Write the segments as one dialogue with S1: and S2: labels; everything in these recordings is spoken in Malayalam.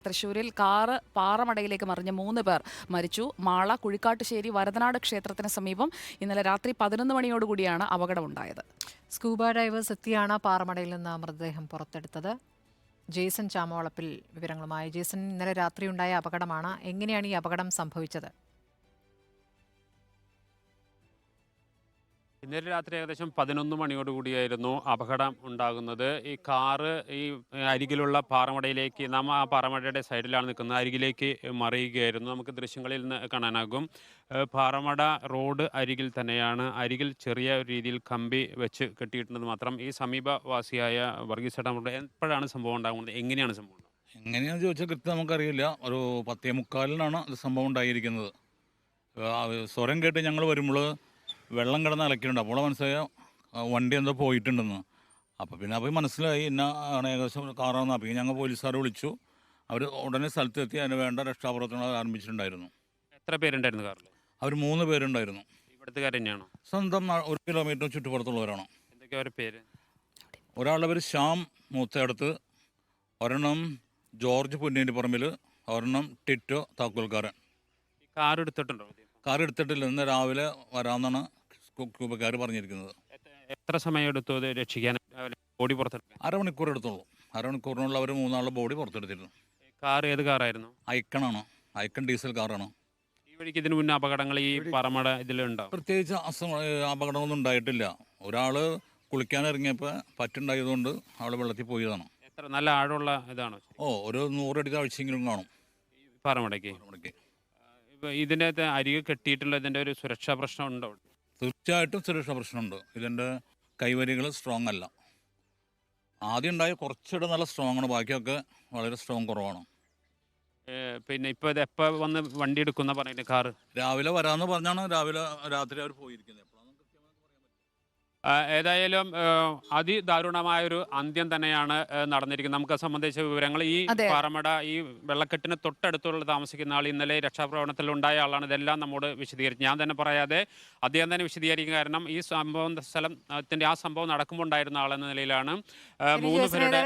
S1: തൃശൂരിൽ കാറ് പാറമടയിലേക്ക് മറിഞ്ഞ് 3 പേർ മരിച്ചു. മാള കുഴിക്കാട്ടുശ്ശേരി വരദനാട് ക്ഷേത്രത്തിന് സമീപം ഇന്നലെ രാത്രി 11 മണിയോടുകൂടിയാണ് അപകടമുണ്ടായത്.
S2: സ്കൂബ ഡൈവേഴ്സ് എത്തിയാണ് പാറമടയിൽ നിന്ന് മൃതദേഹം പുറത്തെടുത്തത്. ജേസൺ ചാമവളപ്പിൽ വിവരങ്ങളുമായി. ജേസൺ, ഇന്നലെ രാത്രി ഉണ്ടായ അപകടമാണ്. എങ്ങനെയാണ് ഈ അപകടം സംഭവിച്ചത്?
S3: ഇന്നലെ രാത്രി ഏകദേശം 11 മണിയോടുകൂടിയായിരുന്നു അപകടം ഉണ്ടാകുന്നത്. ഈ കാറ് ഈ അരികിലുള്ള പാറമടയിലേക്ക്, നാം ആ പാറമടയുടെ സൈഡിലാണ് നിൽക്കുന്നത്, അരികിലേക്ക് മറിയുകയായിരുന്നു. നമുക്ക് ദൃശ്യങ്ങളിൽ നിന്ന് കാണാനാകും. പാറമട റോഡ് അരികിൽ തന്നെയാണ്. അരികിൽ ചെറിയ രീതിയിൽ കമ്പി വെച്ച് കെട്ടിയിട്ടുണ്ടെന്ന് മാത്രം. ഈ സമീപവാസിയായ വർഗീസ് ചേട്ടൻ എപ്പോഴാണ് സംഭവം ഉണ്ടാകുന്നത്, എങ്ങനെയാണ് സംഭവം?
S4: എങ്ങനെയാണെന്ന് ചോദിച്ചാൽ കൃത്യം നമുക്കറിയില്ല. ഒരു 10:45 ഇത് സംഭവം ഉണ്ടായിരിക്കുന്നത്. സ്വരം കേട്ട് ഞങ്ങൾ വരുമ്പോൾ വെള്ളം കിടന്ന് അലക്കിയിട്ടുണ്ട്. അപ്പോൾ മനസ്സിലായ വണ്ടി എന്തോ പോയിട്ടുണ്ടെന്ന്. അപ്പോൾ പിന്നെ മനസ്സിലായി ഇന്ന ആണ് ഏകദേശം കാറാണെന്ന്. അപ്പോൾ ഞങ്ങൾ പോലീസുകാരെ വിളിച്ചു. അവർ ഉടനെ സ്ഥലത്തെത്തി അതിന് വേണ്ട രക്ഷാപ്രവർത്തനങ്ങൾ ആരംഭിച്ചിട്ടുണ്ടായിരുന്നു.
S3: എത്ര പേരുണ്ടായിരുന്നു കാറിൽ?
S4: അവർ 3 പേരുണ്ടായിരുന്നു.
S3: ഇവിടുത്തുകാർ തന്നെയാണോ?
S4: സ്വന്തം 1 കിലോമീറ്റർ ചുറ്റുപുറത്തുള്ളവരാണ്.
S3: എന്തൊക്കെയാ അവരുടെ പേര്?
S4: ഒരാളുടെ പേര് ശ്യാം മൂത്തയടത്ത്, ഒരെണ്ണം ജോർജ് പുന്നേരി പറമ്പിൽ, ഒരെണ്ണം ടിറ്റോ താക്കോൽക്കാരൻ.
S3: കാർ എടുത്തിട്ടുണ്ടോ?
S4: കാർ എടുത്തിട്ടില്ല. ഇന്ന് രാവിലെ വരാമെന്നാണ് ക്യൂബക്കാർ പറഞ്ഞിരിക്കുന്നത്.
S3: എത്ര സമയം എടുത്തു അത് രക്ഷിക്കാൻ, ബോഡി പുറത്തെടുക്കാൻ?
S4: അരമണിക്കൂർ എടുത്തുള്ളൂ. അരമണിക്കൂറിനുള്ള അവർ 3 ബോഡി പുറത്തെടുത്തിരുന്നു.
S3: കാർ ഏത് കാറായിരുന്നു?
S4: ഐക്കണാണ്. ഐക്കൺ ഡീസൽ കാറാണ്.
S3: ഈ വഴിക്ക് ഇതിനു മുന്നേ അപകടങ്ങൾ ഈ പറമട ഇതിലുണ്ടാവും?
S4: പ്രത്യേകിച്ച് അപകടമൊന്നും ഉണ്ടായിട്ടില്ല. ഒരാൾ കുളിക്കാൻ ഇറങ്ങിയപ്പോൾ പറ്റുണ്ടായതുകൊണ്ട് ആൾ വെള്ളത്തിൽ പോയതാണ്.
S3: എത്ര നല്ല ആഴമുള്ള ഇതാണോ?
S4: ഒരു 100 അടി താഴ്ചയെങ്കിലും കാണും
S3: പാറമടയ്ക്ക്. ഇതിൻ്റെ അരികെ കെട്ടിയിട്ടുള്ള ഇതിൻ്റെ ഒരു സുരക്ഷാ പ്രശ്നം ഉണ്ടോ?
S4: തീർച്ചയായിട്ടും സുരക്ഷാ പ്രശ്നമുണ്ട്. ഇതിൻ്റെ കൈവരികൾ സ്ട്രോങ് അല്ല. ആദ്യം ഉണ്ടായ കുറച്ചുകൂടെ നല്ല സ്ട്രോങ് ആണ്, ബാക്കിയൊക്കെ വളരെ സ്ട്രോങ് കുറവാണ്.
S3: പിന്നെ ഇപ്പോൾ ഇത് എപ്പോൾ വന്ന് വണ്ടി എടുക്കുന്ന പറയുന്നത്? കാറ്
S4: രാവിലെ വരാമെന്ന് പറഞ്ഞാണ് രാത്രി അവർ പോയിരിക്കുന്നത്.
S3: ഏതായാലും അതിദാരുണമായൊരു അന്ത്യം തന്നെയാണ് നടന്നിരിക്കുന്നത്. നമുക്ക് സംബന്ധിച്ച വിവരങ്ങൾ ഈ പാറമട ഈ വെള്ളക്കെട്ടിന് തൊട്ടടുത്തുള്ള താമസിക്കുന്ന ആൾ ഇന്നലെ രക്ഷാപ്രവർത്തനത്തിൽ ഉണ്ടായ ആളാണ്. ഇതെല്ലാം നമ്മോട് വിശദീകരിച്ചു. ഞാൻ തന്നെ പറയാതെ അദ്ദേഹം തന്നെ വിശദീകരിക്കും. കാരണം ഈ സ്ഥലത്തിന്റെ ആ സംഭവം നടക്കുമ്പോൾ ഉണ്ടായിരുന്ന ആളെന്ന നിലയിലാണ്. 3 പേരുടെ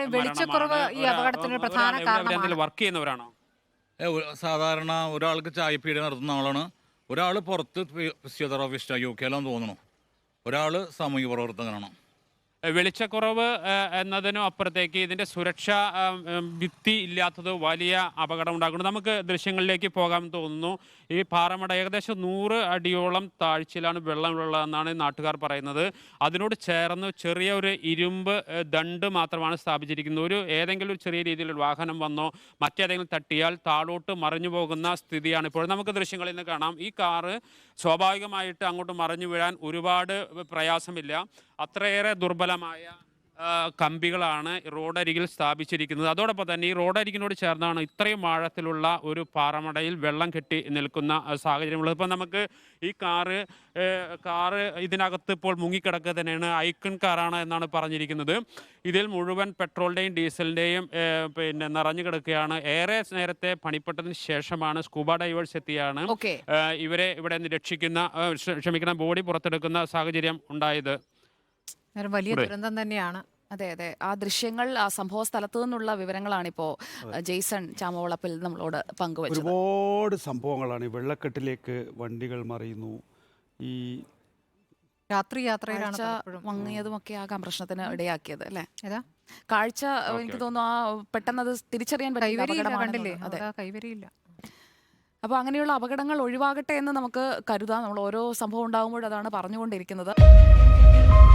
S3: വർക്ക് ചെയ്യുന്നവരാണോ?
S4: സാധാരണ ഒരാൾക്ക് ചായപ്പീടി നടത്തുന്ന ആളാണ്. ഒരാൾ പുറത്ത് ഫിസിയോതെറാപ്പിസ്റ്റ് UK തോന്നുന്നു. ഒരാൾ സാമൂഹിക പ്രവർത്തകനാണ്.
S3: വെളിച്ചക്കുറവ് എന്നതിനും അപ്പുറത്തേക്ക് ഇതിൻ്റെ സുരക്ഷാ ഭിത്തി ഇല്ലാത്തത് വലിയ അപകടം ഉണ്ടാക്കുന്നു. നമുക്ക് ദൃശ്യങ്ങളിലേക്ക് പോകാൻ തോന്നുന്നു. ഈ പാറമട ഏകദേശം 100 അടിയോളം താഴ്ചയിലാണ് വെള്ളമുള്ളതെന്നാണ് നാട്ടുകാർ പറയുന്നത്. അതിനോട് ചേർന്ന് ചെറിയ ഒരു ഇരുമ്പ് ദണ്ട് മാത്രമാണ് സ്ഥാപിച്ചിരിക്കുന്നത്. ഏതെങ്കിലും ഒരു ചെറിയ രീതിയിലൊരു വാഹനം വന്നോ മറ്റേതെങ്കിലും തട്ടിയാൽ താഴോട്ട് മറിഞ്ഞു പോകുന്ന സ്ഥിതിയാണ് ഇപ്പോൾ. നമുക്ക് ദൃശ്യങ്ങളിൽ നിന്ന് കാണാം. ഈ കാറ് സ്വാഭാവികമായിട്ട് അങ്ങോട്ട് മറിഞ്ഞു വീഴാൻ ഒരുപാട് പ്രയാസമില്ല. അത്രയേറെ ദുർബലമായ കമ്പികളാണ് റോഡരികിൽ സ്ഥാപിച്ചിരിക്കുന്നത്. അതോടൊപ്പം തന്നെ ഈ റോഡരികിനോട് ചേർന്നാണ് ഇത്രയും ആഴത്തിലുള്ള ഒരു പാറമടയിൽ വെള്ളം കെട്ടി നിൽക്കുന്ന സാഹചര്യമുള്ളത്. ഇപ്പം നമുക്ക് ഈ കാറ് ഇതിനകത്ത് ഇപ്പോൾ മുങ്ങിക്കിടക്കുക തന്നെയാണ്. ഐക്കൺ കാറാണ് എന്നാണ് പറഞ്ഞിരിക്കുന്നത്. ഇതിൽ മുഴുവൻ പെട്രോളിൻ്റെയും ഡീസലിൻ്റെയും പിന്നെ നിറഞ്ഞു കിടക്കുകയാണ്. ഏറെ നേരത്തെ പണിപ്പെട്ടതിന് ശേഷമാണ് സ്കൂബ ഡൈവേഴ്സ് എത്തിയാണ് ഇവരെ ഇവിടെ നിന്ന് ബോഡി പുറത്തെടുക്കുന്ന സാഹചര്യം ഉണ്ടായത്.
S2: വലിയ ദുരന്തം തന്നെയാണ്.
S1: അതെ അതെ, ആ ദൃശ്യങ്ങൾ, ആ സംഭവ സ്ഥലത്തു നിന്നുള്ള വിവരങ്ങളാണ് ഇപ്പോൾ ജെയ്സൺ ചാമവളപ്പിൽ നമ്മളോട് പങ്കുവച്ചത്.
S5: ഒരുപാട് സംഭവങ്ങളാണ്. വെള്ളക്കെട്ടിലേക്ക് വണ്ടികൾ മറിയുന്നു, ഈ
S2: രാത്രി യാത്രയിലാണ്
S1: മങ്ങിയതുമൊക്കെ ആകാം പ്രശ്നത്തിന് ഇടയാക്കിയത് അല്ലേ? കാഴ്ച എനിക്ക് തോന്നുന്നു പെട്ടെന്ന് അത് തിരിച്ചറിയാൻ പറ്റില്ല.
S2: കൈവരിയില്ല.
S1: അപ്പോൾ അങ്ങനെയുള്ള അപകടങ്ങൾ ഒഴിവാകട്ടെ എന്ന് നമുക്ക് കരുതാം. നമ്മൾ ഓരോ സംഭവം ഉണ്ടാകുമ്പോഴതാണ് പറഞ്ഞുകൊണ്ടിരിക്കുന്നത്.